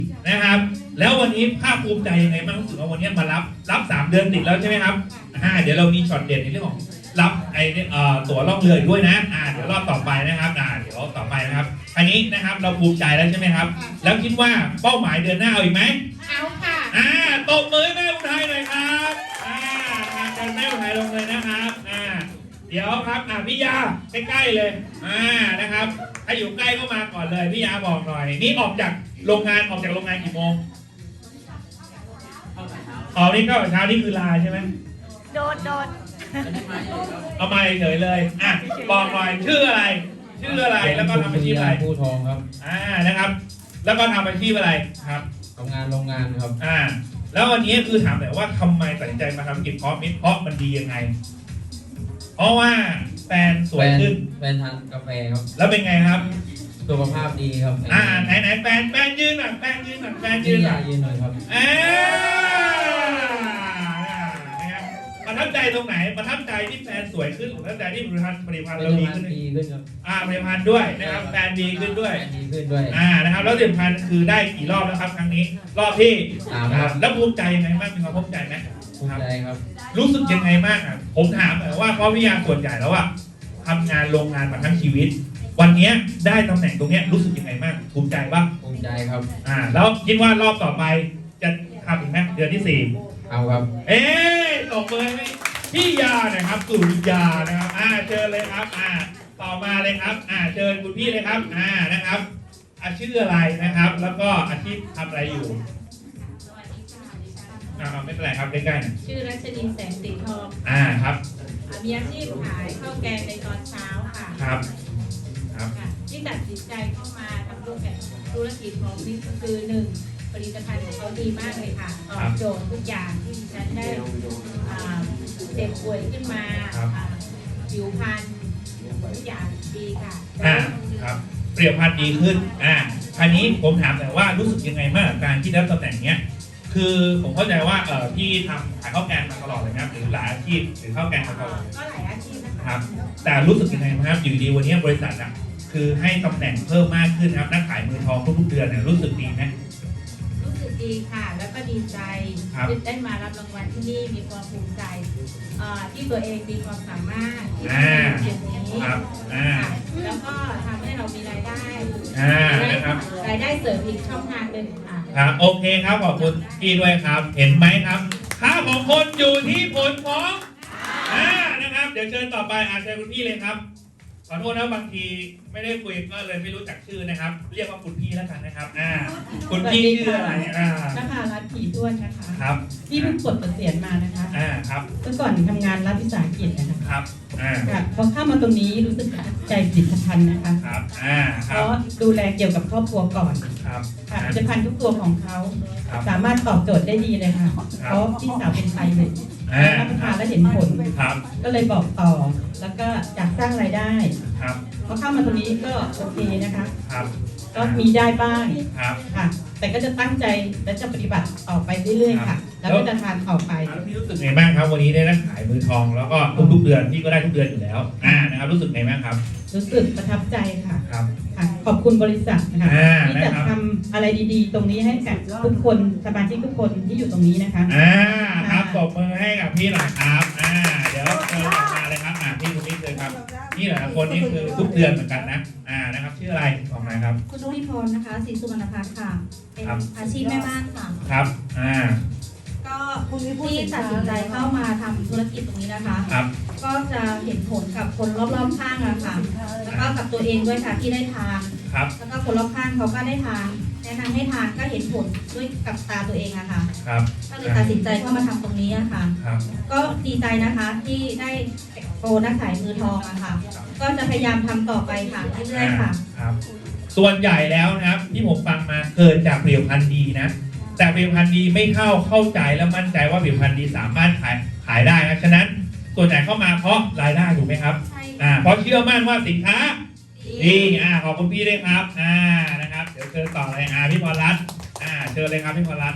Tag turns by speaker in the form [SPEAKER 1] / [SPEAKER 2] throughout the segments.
[SPEAKER 1] นะครับแล้ววันนี้ภาคภูมิใจยังไงบ้างรู้สึกว่าวันนี้มารับ3 เดือนติดแล้วใช่ไหมครับเดี๋ยวเรามีช็อตเด็ดในเรื่องของรับตั๋วล่องเรืออีกด้วยนะเดี๋ยวรอบต่อไปนะครับเดี๋ยวต่อไปนะครับอันนี้นะครับเราภูมิใจแล้วใช่ไหมครับแล้วคิดว่าเป้าหมายเดือนหน้าเอาอีกไหม
[SPEAKER 2] เอาค่ะ
[SPEAKER 1] ตบมือแม่อุทัยหน่อยครับทางแม่อุทัยลงเลยนะครับเดี๋ยวครับพี่ยาใกล้ๆเลยนะครับถ้าอยู่ใกล้ก็มาก่อนเลยพี่ยาบอกหน่อยนี่ออกจากโรงงานกี่โมงนี่ก็เช้านี่คือลาใช่ไหม
[SPEAKER 2] โดด
[SPEAKER 1] เอามาเฉยเลยบอกหน่อยชื่ออะไรแล้วก็ทำอาชีพอะไร
[SPEAKER 3] ผู้ทองครับ
[SPEAKER 1] นะครับแล้วก็ทำอาชีพอะไรครับ
[SPEAKER 3] ทำงานโรงงานครับ
[SPEAKER 1] แล้ววันนี้คือถามแต่ว่าทำไมตัดสินใจมาทำกิจเพาะมิตรเพราะมันดียังไงเพราะว่าแฟนสวยขึ้น
[SPEAKER 3] แฟนทานกาแฟครับ
[SPEAKER 1] แล้วเป็นไงครับ
[SPEAKER 3] สุขภาพดีครับ
[SPEAKER 1] ไหนแฟนยืนหน่อยแฟนยืนหน่
[SPEAKER 3] อยครับ
[SPEAKER 1] ประทับใจตรงไหนประทับใจที่แฟนสวยขึ้นหรือประทับใจที่ผลิตภัณฑ์เราดีขึ้น
[SPEAKER 3] ครับ
[SPEAKER 1] ผลิตภัณฑ์ด้วยนะครับแฟนดีขึ้นด้วยนะครับแล้วผลิตภัณฑ์คือได้กี่รอบแล้วครับครั้งนี้รอบที่
[SPEAKER 3] ครับ
[SPEAKER 1] แล้วภูมิใจยังไงบ้างมีความภูมิใจไหม
[SPEAKER 3] ภูมิใจครับ
[SPEAKER 1] รู้สึกยังไงบ้างผมถามว่าเพราะวิทยาส่วนใหญ่แล้วทำงานโรงงานมาทั้งชีวิตวันนี้ได้ตำแหน่งตรงนี้รู้สึกยังไงบ้างภูมิใจป่ะ
[SPEAKER 3] ภูมิใจครับ
[SPEAKER 1] แล้วคิดว่ารอบต่อไปจะทำอีกไหมเดือนที่4
[SPEAKER 3] เอาครับ
[SPEAKER 1] ตบมือให้พี่ยาหน่อยครับสุริยานะครับเชิญเลยครับต่อมาเลยครับเชิญคุณพี่เลยครับนะครับชื่ออะไรนะครับแล้วก็อาชีพทำอะไรอยู่ไม่เป็นไรครับใกล้
[SPEAKER 2] ๆชื่อรัชนีแสงสีทอง
[SPEAKER 1] ครับ
[SPEAKER 2] มีอาชีพขายข้าวแกงในตอนเช้าค่ะ
[SPEAKER 1] ครับ
[SPEAKER 2] ที่ตัดสินใจเข้ามาทำธุรกิจของนี่ก็คือ1ผลิตภัณฑ์ของเขาดีมากเลยค่ะตอบโจทย์ทุกอย่างที่ดิฉันได้เจ็บป่วยขึ้นมาผิวพรรณทุกอย่างดีค่ะ
[SPEAKER 1] ครับเปรียบพันธุ์ดีขึ้นคราวนี้ผมถามแต่ว่ารู้สึกยังไงบ้างการที่ได้ตำแหน่งเนี้ยคือผมเข้าใจว่าที่ทำขายข้าวแกงมาตลอดเลยนะหรือหลายอาชีพหรือข้าวแกงมาตลอด
[SPEAKER 2] ก็หลายอาชีพ
[SPEAKER 1] นะครับแต่รู้สึกยังไงครับอยู่ดีวันนี้บริษัทคือให้ตำแหน่งเพิ่มมากขึ้นครับนักขายมือทองทุกเดือนเนี่ยรู้สึกดีไหม
[SPEAKER 2] รู้สึกดีค่ะแล้วก็ดีใจที่ได้มารับรางวัลที่นี่มีความภูมิใจที่ตัวเองมีความสามารถที่จะทำอย่างนี้แล้วก็ทำให้เรามีรายได้
[SPEAKER 1] นะครับ
[SPEAKER 2] รายได้เสริมอีกช่องทางหนึ่ง
[SPEAKER 1] ครับโอเคครับขอบคุณพี่ด้วยครับเห็นไหมครับค่าของคนอยู่ที่ผลของนะครับเดี๋ยวเชิญต่อไปเชิญคุณพี่เลยครับขอโทษนะบางทีไม่ได้คุยก็เลยไม่รู้จักชื่อนะครับเรียกว่าคุณพี่แล้วกันนะครับคุณพี่ชื่ออะไร
[SPEAKER 4] นะคะรัฐผีด้วนนะคะ
[SPEAKER 1] ครับ
[SPEAKER 4] ที่เพิ่งปลดเกษียณมานะคะ
[SPEAKER 1] ครับ
[SPEAKER 4] เมื่อก่อนทำงานรัฐวิสาหกิจนะคะ
[SPEAKER 1] ครับ
[SPEAKER 4] พอเข้ามาตรงนี้รู้สึกใจผลิตภัณฑ์นะคะ
[SPEAKER 1] ครับ
[SPEAKER 4] เพราะดูแลเกี่ยวกับครอบครัวก่อน
[SPEAKER 1] ครับ
[SPEAKER 4] ผลิตภัณฑ์ทุกตัวของเขาสามารถตอบโจทย์ได้ดีเลยค่ะเพราะพี่สาวเป็นไทยเลยรับประทานแล้วเห็นผลก็เลยบอกต่อแล้วก็อยากสร้างรายได้พอเข้ามาตรงนี้ก็โอเคนะคะก็มีได้บ้างค่ะแต่ก็จะตั้งใจและจะปฏิบัติต่อไปเรื่อยๆค่ะแล้วก็จะทานต่อไป
[SPEAKER 1] พี่รู้สึกไงบ้างครับวันนี้ได้นักขายมือทองแล้วก็ทุกเดือนพี่ก็ได้ทุกเดือนอยู่แล้วนะครับรู้สึกไงบ้างครับ
[SPEAKER 4] รู้สึกประทับใจค่ะ
[SPEAKER 1] ครับ
[SPEAKER 4] ขอบคุณบริษัทนะคะที่จะทำอะไรดีๆตรงนี้ให้กับทุกคนสมาชิกทุกคนที่อยู่ตรงนี้นะคะ
[SPEAKER 1] ครับปรบมือให้กับพี่หน่อยครับเดี๋ยวเชิญมาเลยครับพี่คนนี้เลยครับนี่หลายคนนี่คือทุกเดือนเหมือนกันนะนะครับชื่ออะไรบอกมาครับ
[SPEAKER 5] คุณนุริพรนะคะศรีสุวรรณพัฒน์ค่ะเป็นอาชีพแม่บ้านค่ะ
[SPEAKER 1] ครับ
[SPEAKER 5] ก็ที่ตัดสินใจเข้ามาทำธุรกิจตรงนี้นะคะก็จะเห็นผลกับคนรอบๆข้างอะค่ะแล้วก็กับตัวเองด้วยค่ะที่ได้ทานแล้วก็คนรอบข้างเขาก็ได้ทานแนะนำให้ทานก็เห็นผลด้วยกับตาตัวเองอะค่ะก็เลยตัดสินใจเข้ามาทำตรงนี้อะค่ะก็ดีใจนะคะที่ได้โปรนักขายมือทองอะค่ะก็จะพยายามทำต่อไปค่ะเรื่อยๆค่ะ
[SPEAKER 1] ส่วนใหญ่แล้วนะครับที่ผมฟังมาเกิดจากผลิตภัณฑ์ดีนะแต่ผลิตภัณฑ์ดีไม่เข้าใจและมั่นใจว่าผลิตภัณฑ์ดีสามารถขายได้นะฉะนั้นส่วนใหญ่เข้ามาเพราะรายได้ถูกไหมครับเพราะเชื่อมั่นว่าสินค้าดีขอบคุณพี่ด้วยครับนะครับเดี๋ยวเชิญต่อเลยพี่พรรัตน์เชิญเลยครับพี่พรรัตน์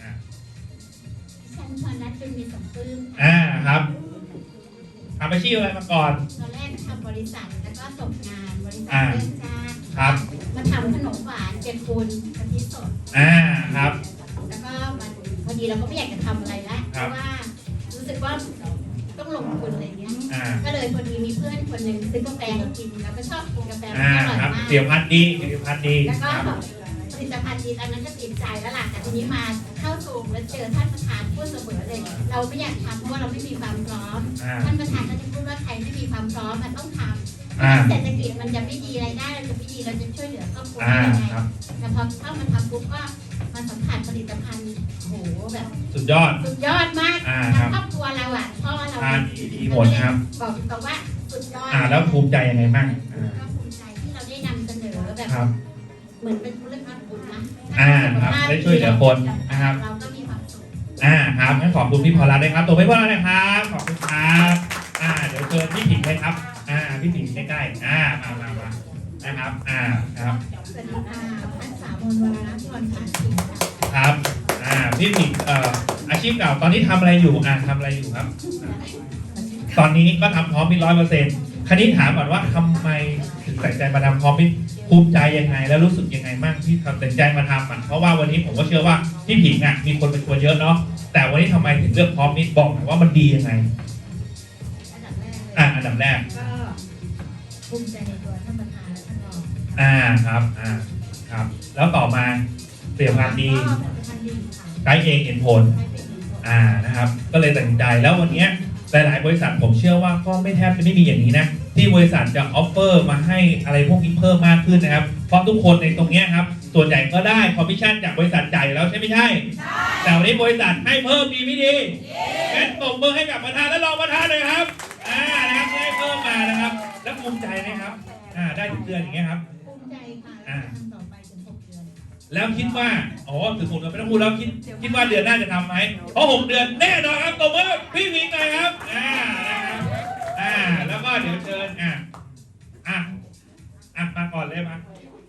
[SPEAKER 6] ฉันพรรัตน์จึงมีสมปื้ม
[SPEAKER 1] ครับทำอาชีพอะไรมาก่อน
[SPEAKER 6] ตอนแรกทำบริษัทแล้วก็ส่งงานบริษัทเรื่องจ้าง
[SPEAKER 1] ครับ
[SPEAKER 6] มาทำขนมหวานเปียกปูนกะทิสด
[SPEAKER 1] ครับ
[SPEAKER 6] แล้วก็มันพอดีเราก็ไม่อยากจะทำอะไรแล้วเพ
[SPEAKER 1] ครับ
[SPEAKER 6] ราะว่ารู้สึกว่าต้องลงทุนอะไรเงี้ย
[SPEAKER 1] อ่า
[SPEAKER 6] ก็เลยพอดีมีเพื่อนคนหนึ่งซื้อกาแฟมากินแล้วก็ชอบกินกาแฟมันอร่อย
[SPEAKER 1] ครับ
[SPEAKER 6] มาก
[SPEAKER 1] เปรียวพันธุ์ดีเปรียวพันธุ์ดี
[SPEAKER 6] แล้วก็
[SPEAKER 1] ครับ
[SPEAKER 6] ผลิตภัณฑ์ดีอันนั้นก็ติดใจแล้วล่ะแต่ทีนี้มาเข้าซูมแล้วเจอท่านประธานพูดเสมอเลย เราไม่อยากทำเพราะว่าเราไม่มีความพร้อม
[SPEAKER 1] อ่า
[SPEAKER 6] ท่านประธานก็จะพูดว่าใครไม่มีความพร้อมมันต้องทำ
[SPEAKER 1] อ่า
[SPEAKER 6] เศรษฐกิจมันจะไม่ดีรายได้เราจะไม่ดีเราจะช่วยเหลือครอบครัว
[SPEAKER 1] อ่า
[SPEAKER 6] ได้ยังไง
[SPEAKER 1] ครับ
[SPEAKER 6] แต่พอเข้ามาทำปุ๊บก็มาสัมผัสผลิตภัณฑ์โหแบบ
[SPEAKER 1] สุดยอด
[SPEAKER 6] สุดยอดมาก
[SPEAKER 1] ครับ
[SPEAKER 6] ครอบครัวเราอ่ะพ่อเรา
[SPEAKER 1] ทานดีหมดครับ
[SPEAKER 6] บอกตรงว่าสุดยอด
[SPEAKER 1] แล้วภูมิใจยังไงบ้าง
[SPEAKER 6] ก็ภูมิใจที่เราได้นำเสนอแบบ
[SPEAKER 1] ครับ
[SPEAKER 6] เหมือนเป็นธุรกิจบุญนะ
[SPEAKER 1] ครับได้ช่วยเหลือคนนะครับ
[SPEAKER 6] เราก็มีความสุข
[SPEAKER 1] ครับงั้นขอบคุณพี่พอรัตน์ด้วยครับตัวไม่พอรัตน์นะครับขอบคุณครับเดี๋ยวเชิญพี่ผิงเลยครับพี่ผิงใกล้ๆมานะครับครับ
[SPEAKER 6] สวัสดีค่ะพันสามนวรรัตน์ชวนพันธ์สิงห์ค่ะ
[SPEAKER 1] ครับพี่ผิงอาชีพเก่าตอนนี้ทำอะไรอยู่ทำอะไรอยู่ครับ ตอนนี้ก็ทำพร้อมมิตร100%คราวนี้ถามก่อนว่าทำไมถึงตัดใจมาทำพร้อมมิตรภูมิใจยังไงแล้วรู้สึกยังไงบ้างที่ตัดใจมาทำเพราะว่าวันนี้ผมก็เชื่อว่าพี่ผิงมีคนเป็นตัวเยอะเนาะแต่วันนี้ทำไมถึงเลือกพร้อมมิตรบอกหน่อยว่ามันดียังไง
[SPEAKER 6] อันดับแรกเลย
[SPEAKER 1] อันดับแรก
[SPEAKER 6] ก็ภูมิใจในตัวท่านประธานและท่านรอง
[SPEAKER 1] ครับครับ แล้วต่อมาเปรียบพันธุ์ดี
[SPEAKER 6] ก็ผลิตภัณฑ์ดีค่ะ
[SPEAKER 1] ใช้เองเห็นผล
[SPEAKER 6] ใช้เป็นผล
[SPEAKER 1] นะครับ ก็เลยตัดสินใจแล้ววันนี้หลาย ๆ บริษัทผมเชื่อว่าก็ไม่แทบจะไม่มีอย่างนี้นะที่บริษัทจะออฟเฟอร์มาให้อะไรพวกนี้เพิ่มมากขึ้นนะครับเพราะทุกคนในตรงนี้ครับส่วนใหญ่ก็ได้คอมมิชชั่นจากบริษัทใหญ่แล้วใช่ไม่ใช่แต่วันนี้บริษัทให้เพิ่มดีไม่ดีงั้นตบมือให้กับประธานและรองประธานเลยครับนะครับให้เพิ่มมานะครับแล้วภูมิใจไหมครับได้ถึงเดือนอย่างเงี้ยครับ
[SPEAKER 6] ภูมิใจค่ะและทำต่อไปถึง6 เดือน
[SPEAKER 1] แล้วคิดว่าถึง6 เดือนไม่ต้องพูดแล้วคิดว่าเดือนหน้าจะทำไหมเพราะ6 เดือนแน่นอนครับตบมือพี่วิงหน่อยครับนะครับแล้วก็เดี๋ยวเชิญมาก่อนเลยมา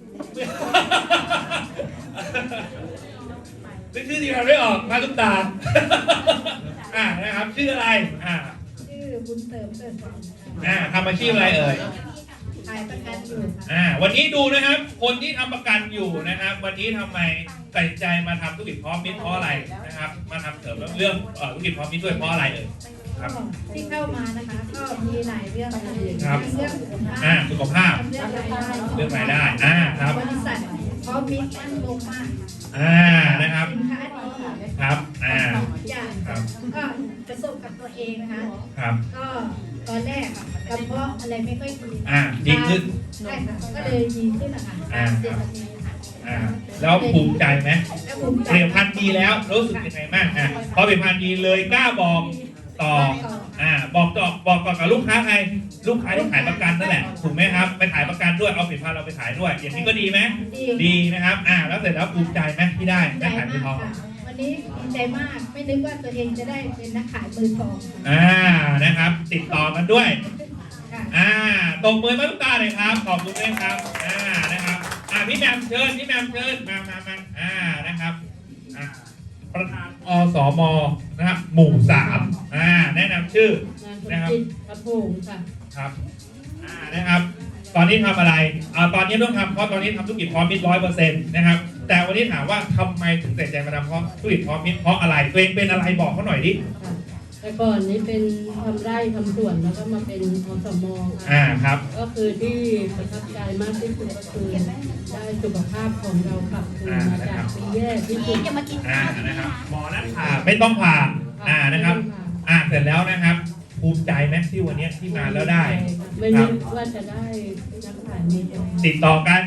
[SPEAKER 1] นึกชื่อทีมเราไม่ออกมาตุ๊กตานะครับชื่ออะไร
[SPEAKER 6] ชื่อบุญเสริมเกิดผล
[SPEAKER 1] ทำอาชีพอะไรเอ่ย
[SPEAKER 6] ขายประกันอยู่ค่ะ
[SPEAKER 1] วันนี้ดูนะครับคนที่ทำประกันอยู่นะครับวันนี้ทำไมตัดใจมาทำธุรกิจพร้อมมิตรเพราะอะไรนะครับมาทำเสริมเรื่องธุรกิจพร้อมมิตรด้วยเพราะอะไรเอ่ยครับ
[SPEAKER 6] ที่เข้ามานะคะก็มีหลายเรื่องเลย
[SPEAKER 1] ครับ
[SPEAKER 6] เรื่องสุขภาพ
[SPEAKER 1] สุขภาพ
[SPEAKER 6] เรื่องรายได้
[SPEAKER 1] เรื่องรายได้ครับ
[SPEAKER 6] บริษัทพร้อมมิตรมั่นคงมาก
[SPEAKER 1] นะครับ
[SPEAKER 6] สินค้าดี
[SPEAKER 1] ครับ
[SPEAKER 6] ทุกอย่าง
[SPEAKER 1] ครับ
[SPEAKER 6] ก็ประสบกับตัวเองนะคะ
[SPEAKER 1] ครับ
[SPEAKER 6] ก็ตอนแรกอะกระเพาะอะไรไม่ค่อยดี
[SPEAKER 1] ดีขึ้น
[SPEAKER 6] ใช่ค่ะก็เลยดีขึ้นนะคะเดือนนี้ค่ะ
[SPEAKER 1] แล้วภูมิใจไหม
[SPEAKER 6] แล้วภูมิใจ
[SPEAKER 1] เปลี่ยนพันธุ์ดีแล้วรู้สึกยังไงบ้างพอเปลี่ยนพันธุ์ดีเลยกล้าบอกต่อบอกต่อกับลูกค้าใครลูกค้าที่ขายประกันนั่นแหละถูกไหมครับไปขายประกันด้วยเอาผลิตภัณฑ์เราไปขายด้วยอย่างนี้ก็ดีไหมดีนะครับแล้วเสร็จแล้วภูมิใจไหมที่ได้
[SPEAKER 6] ใจ
[SPEAKER 1] ขายมือทอง
[SPEAKER 6] ค่ะวันนี้ดีใจมากไม่นึกว่าตัวเองจะได้เป็นนักขายมือทอง
[SPEAKER 1] นะครับ ติดต่อกันด้วย
[SPEAKER 6] ค่ะ
[SPEAKER 1] ตบมือมาทุกตาเลยครับขอบคุณด้วยครับนะครับพี่แมมเชิญมานะครับประธานอสมนะครับหมู่3แนะนำชื่อนะครับ
[SPEAKER 4] กระพงค่ะ
[SPEAKER 1] ครับนะครับตอนนี้ทำอะไรตอนนี้ต้องทำเพราะตอนนี้ทำธุรกิจพร้อมมิตร100%นะครับแต่วันนี้ถามว่าทำไมถึงตัดใจมาทำเพราะธุรกิจพร้อมมิตรเพราะอะไรตัวเองเป็นอะไรบอกเขาหน่อยดิ
[SPEAKER 7] แต่ก่อนนี้เป็นทำไร่ทำสวนแล้วก็มาเป็นอสม
[SPEAKER 1] ครับ
[SPEAKER 7] ก็คือที่ประทับใจมากที่สุดก็คือได้สุขภาพของเรากลับคืนมาจากปีแย่ที่สุด
[SPEAKER 6] จะมากิน
[SPEAKER 1] นะครับหมอนัดผ่าไม่ต้องผ่านะครับเสร็จแล้วนะครับภูมิใจไหมที่วันนี้ที่มาแล้วได้
[SPEAKER 7] ไม่นึกว่าจะได้นักขายมีตรง
[SPEAKER 1] ติดต่อกัน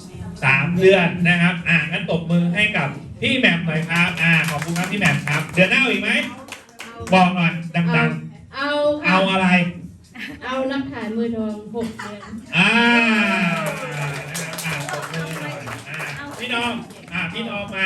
[SPEAKER 1] 3 เดือนนะครับงั้นตบมือให้กับพี่แหม่มหน่อยครับขอบคุณครับพี่แหม่มครับเดือนหน้าอีกไหมบอกหน่อยดังๆ
[SPEAKER 7] เอา
[SPEAKER 1] เอาอะไร
[SPEAKER 7] เอานักขายมือทอง6 เดือน
[SPEAKER 1] นะครับตบมือหน่อยพี่น้องมา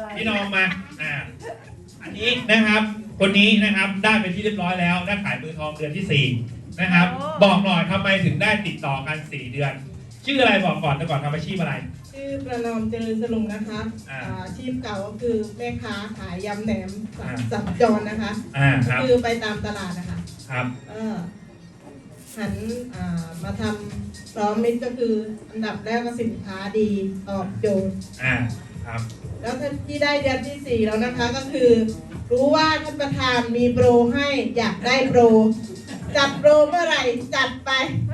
[SPEAKER 1] อันนี้นะครับคนนี้นะครับได้เป็นที่เรียบร้อยแล้วได้ขายมือทองเดือนที่4นะครับบอกหน่อยทำไมถึงได้ติดต่อกัน4 เดือนชื่ออะไรบอกก่อนแต่ก่อนทำอาชีพอะไร
[SPEAKER 8] ชื่อประนอมเจริญสลุงนะคะอาชีพเก่าก็คือแม่ค้าขายยำแหนมสับจรนะคะ
[SPEAKER 1] ครับ
[SPEAKER 8] คือไปตามตลาดนะคะ
[SPEAKER 1] ครับ
[SPEAKER 8] หันมาทำพร้อมมิตรก็คืออันดับแรกก็สินค้าดีตอบโจทย์
[SPEAKER 1] ครับ
[SPEAKER 8] แล้วที่ได้เดือนที่ 4 แล้วนะคะก็คือ รู้ว่าท่านประธานมีโปรให้อยากได้โปร จัดโปรเมื่อไหร่จัดไป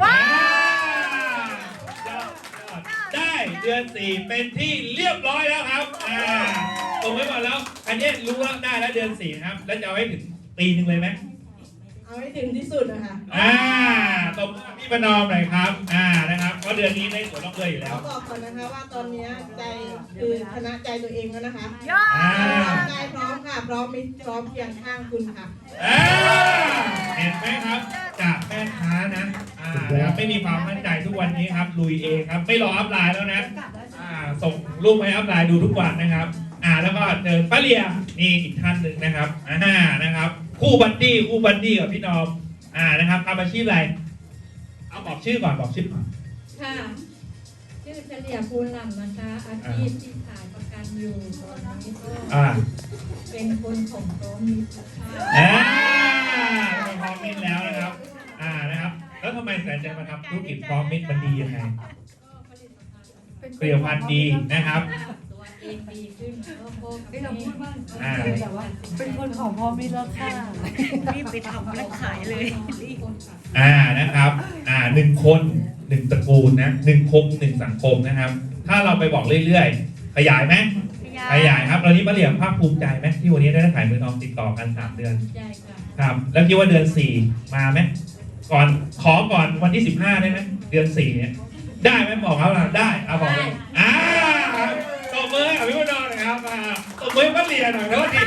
[SPEAKER 1] ได้เดือน 4 เป็นที่เรียบร้อยแล้วครับตรงไว้ก่อนแล้ว อันนี้รู้ว่าได้แล้วเดือน 4 นะครับ แล้วจะเอาให้ถึงปีหนึ่งเลยไหม
[SPEAKER 8] เอาให้ถึงที่สุดนะคะ
[SPEAKER 1] ตบมือพี่ประนอมหน่อยครับนะครับเพราะเดือนนี้ได้สวนน้องเลยอยู่แล้ว
[SPEAKER 8] บอกก่อนนะคะว่าตอนนี้ใจคือชนะใจตัวเองแล้วนะคะใจพร้อมค่ะพร้อมมิตรพร้อมเคียงข้างคุณค่ะ
[SPEAKER 1] เห็นไหมครับจากแม่ค้านะนะครับไม่มีความมั่นใจทุกวันนี้ครับลุยเองครับไม่รออัพไลน์แล้วนะส่งรูปให้อัพไลน์ดูทุกวันนะครับแล้วก็เจอป้าเลียนี่อีกท่านหนึ่งนะครับนะครับคู่บัดดี้กับพี่นอมนะครับทำอาชีพอะไรเอาบอกชื่อก่อนบอกชื่อก่อน
[SPEAKER 5] ค่ะ ชื่อเฉลี่ยภูลหล่ำนะคะ อาชีพที่ขายประกันอยู่ตอนนี้ก็เป็นคนของโต๊ะมิตรค่ะ
[SPEAKER 1] พร้อมมิตรแล้วนะครับนะครับ แล้วทำไมแสนใจมาทำธุรกิจพร้อมมิตรมันดียังไงเปรียวพันธุ์ดีนะครับ
[SPEAKER 5] ตัวเองดีขึ้นแล้วก็
[SPEAKER 7] ที่เราพูดว่า
[SPEAKER 5] แต่ว่า
[SPEAKER 7] เป็นคนของพ่อไม่รอดค่ะรีบไปทำแล้วขายเลยรีบ
[SPEAKER 1] นะครับ1 คน 1 ตระกูลนะ1 คม 1 สังคมนะครับ ถ้าเราไปบอกเรื่อยๆขยายไหมขยายครับตอนนี้ป้าเหลี่ยมภาคภูมิใจไหมที่วันนี้ได้ขายมือทองติดต่อกัน3 เดือน
[SPEAKER 5] ใช่ค่ะ
[SPEAKER 1] ครับแล้วคิดว่าเดือน 4 มาไหมก่อนวันที่ 15 ได้ไหมเดือน 4 เนี่ยได้ไหมบอกเขาได้บอกเลยตบมือให้พี่วดอนหน่อยครับตบมือให้ป้าเหลี่ยมหน่อยแล้วดิ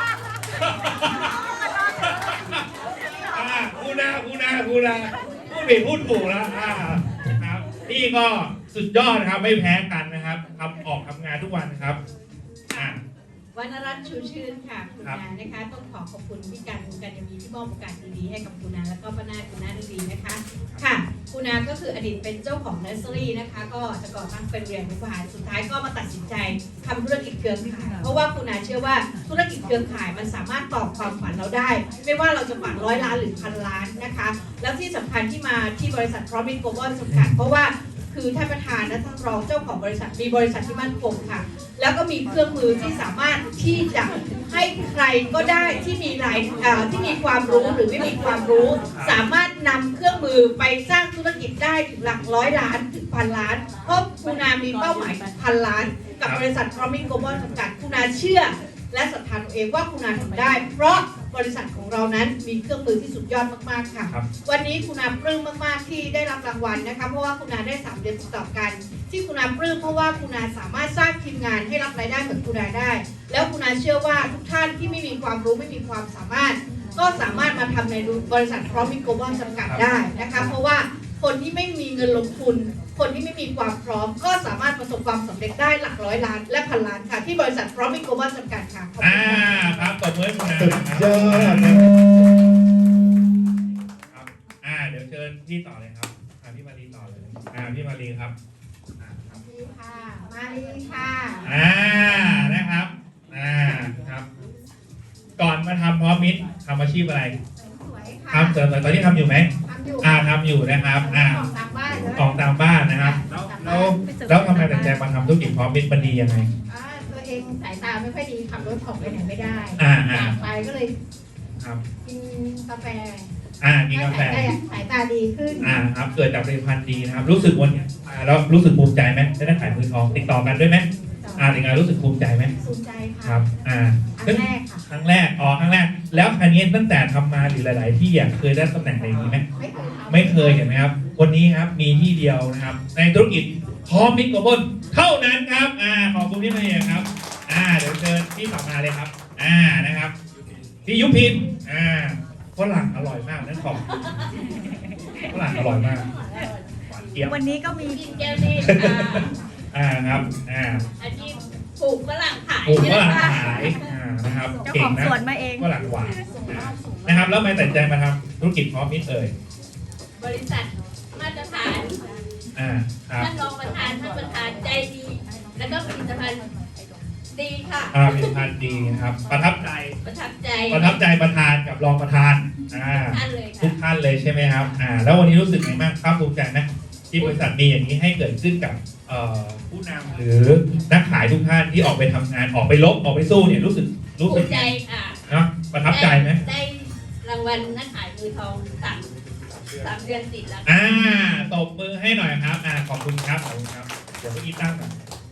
[SPEAKER 1] พูดพูดถูกแล้วครับนี่ก็สุดยอดนะครับไม่แพ้กันนะครับทำงานทุกวันนะครับ
[SPEAKER 2] วรรณรัตน์ชูชื่นค่ะคุณนานะคะต้องขอบคุณพี่กันคุณกันยังมีที่มอบโอกาสดีๆให้กับคุณนาแล้วก็ป้านาคุณนาดีๆนะคะค่ะคุณนาก็คืออดีตเป็นเจ้าของเนอร์เซอรี่นะคะก็จะก่อตั้งเป็นเรียนผู้บริหารสุดท้ายก็มาตัดสินใจทำธุรกิจเครือข่ายเพราะว่าคุณนาเชื่อว่าธุรกิจเครือข่ายมันสามารถตอบความฝันเราได้ ไม่ว่าเราจะฝัน100 ล้านหรือ1,000 ล้านนะคะแล้วที่สำคัญที่มาที่บริษัทพร้อมมิตรโกลบอลจำกัดเพราะว่าคือท่านประธานและท่านรองเจ้าของบริษัทมีบริษัทที่มั่นคงค่ะแล้วก็มีเครื่องมือที่สามารถที่จะให้ใครก็ได้ที่มีที่มีความรู้หรือไม่มีความรู้สามารถนำเครื่องมือไปสร้างธุรกิจได้ถึงหลัก100 ล้านถึง1,000 ล้านเพราะคุณนามีเป้าหมายถึง1,000 ล้านกับบริษัทพร้อมมิตรโกลบอลจำกัดคุณนาเชื่อและศรัทธาตัวเองว่าคุณนาทำได้เพราะบริษัทของเรานั้นมีเครื่องมือที่สุดยอดมากๆค่ะวันนี้คุณนาปลื้มมากๆที่ได้รับรางวัลนะคะเพราะว่าคุณนาได้3 เดือนติดต่อกันที่คุณนาปลื้มเพราะว่าคุณนาสามารถสร้างทีมงานให้รับรายได้เหมือนคุณนาได้แล้วคุณนาเชื่อว่าทุกท่านที่ไม่มีความรู้ไม่มีความสามารถก็สามารถมาทำในบริษัทพร้อมมิตรโกลบอลจำกัดได้นะคะเพราะว่าคนที่ไม่มีเงินลงทุนคนที่ไม่มีความพร้อมก็สามารถประสบความสำเร็จได้หลัก100 ล้านและ1,000 ล้านค่ะที่บริษัทพร้อมมิตรโกลบอลจำกัดค่ะ
[SPEAKER 1] ครับตบมือคุณนา
[SPEAKER 9] สุดยอด
[SPEAKER 1] เดี๋ยวเชิญพี่ต่อเลยครับพี่มารีต่อเลยพี่มารีครับ
[SPEAKER 6] มาลีค่ะ
[SPEAKER 1] นะครับครับก่อนมาทำพร้อมมิตรทำอาชีพอะไร
[SPEAKER 6] สวยค่ะ
[SPEAKER 1] ทำเสริมตอนนี้ทำอยู่ไหม
[SPEAKER 6] ทำอยู่
[SPEAKER 1] ทำอยู่นะครับของตามบ้านนะครับแล้วทำไมตัดใจมาทำธุรกิจพร้อมมิตรมันดียังไง
[SPEAKER 6] ตัวเองสายตาไม่ค่อยดีขับรถออกไปไหนไม่ได้
[SPEAKER 1] อยาก
[SPEAKER 6] ไปก็เลยกินกาแฟ
[SPEAKER 1] กินกาแฟ
[SPEAKER 6] สายตาดีขึ้น
[SPEAKER 1] ครับเกิดจากผลิตภัณฑ์ดีนะครับรู้สึกวันนี้แล้วรู้สึกภูมิใจไหมได้ขายมือทองติดต่อกันด้วยไหมถึงไงรู้สึกภูมิใจไหม
[SPEAKER 6] ภูมิใจค่ะ
[SPEAKER 1] ครับ
[SPEAKER 6] ครั้งแรกค่ะ
[SPEAKER 1] ครั้งแรกแล้วคันนี้ตั้งแต่ทำมาหรือหลายๆที่เคยได้ตำแหน่งอะไรอย่างนี้ไหมไม่เคยเห็นไหมครับวันนี้ครับมีที่เดียวนะครับในธุรกิจพร้อมมิตรโกลบอลเท่านั้นครับขอบคุณพี่มาเองครับเดี๋ยวเชิญพี่ต่อมาเลยครับนะครับพี่ยุพินฝรั่งอร่อยมากนั่นของฝรั่งอร่อยมากหวานเจี๊ยบ
[SPEAKER 5] วันนี้ก็มี
[SPEAKER 2] กินแก้วนี่
[SPEAKER 1] ครับ
[SPEAKER 2] อาชีพปลูกฝรั่งขาย
[SPEAKER 1] ปลูกฝรั่งขายนะครับ
[SPEAKER 5] เจ้าของสวนมาเอง
[SPEAKER 1] ฝรั่งหวานนะครับแล้วไม่ตัดใจมาทำธุรกิจพร้อมมิตร
[SPEAKER 2] บริษัทมาตรฐานท่านรองประธานท่านประธานใจดีแล้วก็ผลิตภัณฑ์
[SPEAKER 5] ดีค่ะ
[SPEAKER 1] ผลิตภัณฑ์ดีนะครับ ประทับใจ
[SPEAKER 5] ประทับใจ
[SPEAKER 1] ประธานกับรองประธานอ่า
[SPEAKER 5] ท่านเลย
[SPEAKER 1] ทุ
[SPEAKER 5] ค่ะ
[SPEAKER 1] กท่านเลยใช่ไหมครับแล้ววันนี้รู้สึกไงบ้างภาคภูมิใจไหมที่บริษัทมีอย่างนี้ให้เกิดขึ้นกับผู้นำหรือนักขายทุกท่านที่ออกไปทำงานออกไปรบออกไปสู้เนี่ยรู้สึก
[SPEAKER 5] ภูมิใจค่ะ
[SPEAKER 1] เนาะประทับใจไหม
[SPEAKER 5] ได้รางวัลนักขายมือทองสามเดือนติดแล้ว
[SPEAKER 1] ตบมือให้หน่อยครับขอบคุณครับขอบคุณครับเดี๋ยวเมื่อกี้ตั้งก่อน